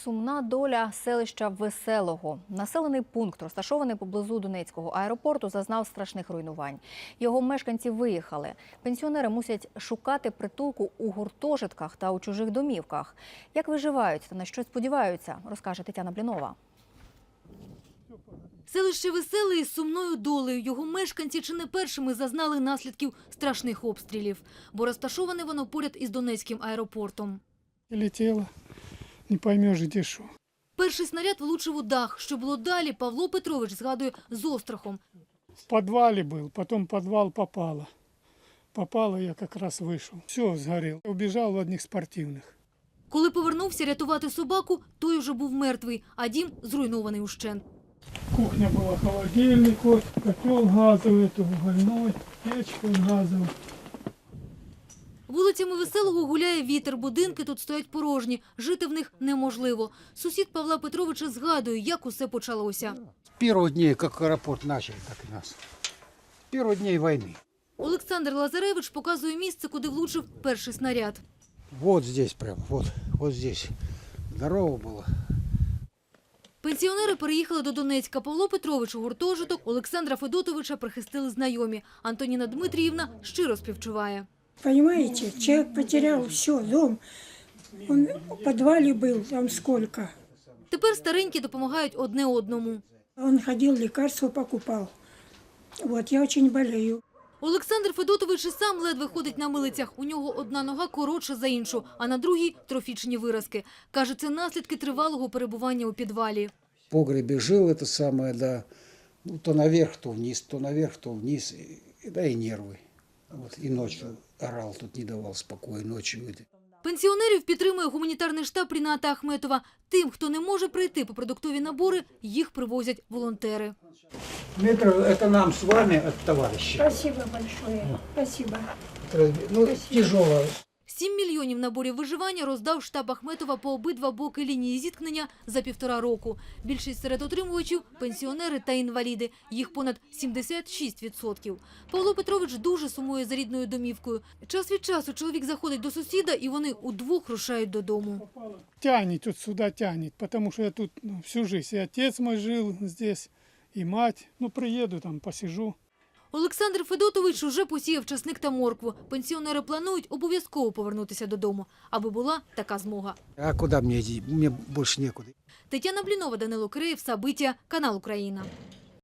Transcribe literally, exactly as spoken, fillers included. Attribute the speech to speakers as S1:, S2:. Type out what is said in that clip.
S1: сумна доля селища Веселого. Населений пункт, розташований поблизу Донецького аеропорту, зазнав страшних руйнувань. Його мешканці виїхали. Пенсіонери мусять шукати притулку у гуртожитках та у чужих домівках. Як виживають та на що сподіваються, розкаже Тетяна Блінова.
S2: Селище Веселе із сумною долею. Його мешканці чи не першими зазнали наслідків страшних обстрілів, бо розташоване воно поряд із Донецьким аеропортом.
S3: Летіло, не поймеш, де що.
S2: Перший снаряд влучив у дах. Що було далі, Павло Петрович згадує з острахом.
S3: В підвалі був, потім в підвал попало. Попало, я якраз вийшов. Все, згорів. Убіжав в одних спортивних.
S2: Коли повернувся рятувати собаку, той уже був мертвий, а дім зруйнований ущент.
S3: Кухня була, холодильник, котел газовий, угольной, печка газова.
S2: Вулицями Веселого гуляє вітер, будинки тут стоять порожні, жити в них неможливо. Сусід Павла Петровича згадує, як усе почалося.
S4: С первых дней, как аэропорт начали, так и нас. С первых дней войны.
S2: Олександр Лазаревич показує місце, куди влучив перший снаряд.
S4: Вот здесь прям, вот, вот здесь. Здорово было.
S2: Пенсіонери переїхали до Донецька. Павло Петрович у гуртожиток, Олександра Федотовича прихистили знайомі. Антоніна Дмитріївна щиро співчуває.
S5: Понимаете, человек потерял все, дом. Он в подвале был, там сколько.
S2: Тепер старенькі допомагають одне одному.
S5: Он ходил, лекарства покупал. Вот, я очень болею.
S2: Олександр Федотович і сам ледве ходить на милицях. У нього одна нога коротша за іншу, а на другій – трофічні виразки. Каже, це наслідки тривалого перебування у підвалі.
S4: В погребе жил это самое, да, ну, то наверх, то вниз, то наверх, то вниз, и, да и нервы. Вот, и ночью орал, тут не давал спокоя, ночью.
S2: Пенсіонерів підтримує гуманітарний штаб Ріната Ахметова. Тим, хто не може прийти по продуктові набори, їх привозять волонтери.
S4: Метр, это нам с вами от товарища.
S5: Спасибо большое. Спасибо.
S4: Ну, тяжело.
S2: Сім мільйонів наборів виживання роздав штаб Ахметова по обидва боки лінії зіткнення за півтора року. Більшість серед отримувачів – пенсіонери та інваліди. Їх понад сімдесят шість відсотків. Павло Петрович дуже сумує за рідною домівкою. Час від часу чоловік заходить до сусіда, і вони удвох рушають додому.
S3: Тянет тут сюда, тянет, потому что я тут ну, всю жизнь. И отец мой жил здесь, и мать. Ну, приеду там, посижу.
S2: Олександр Федотович уже посіяв часник та моркву. Пенсіонери планують обов'язково повернутися додому, аби була така змога.
S4: А куда мне идти? Мне больше некуда.
S2: Тетяна Блінова, Данило Киреєв, Сабиття, канал Україна.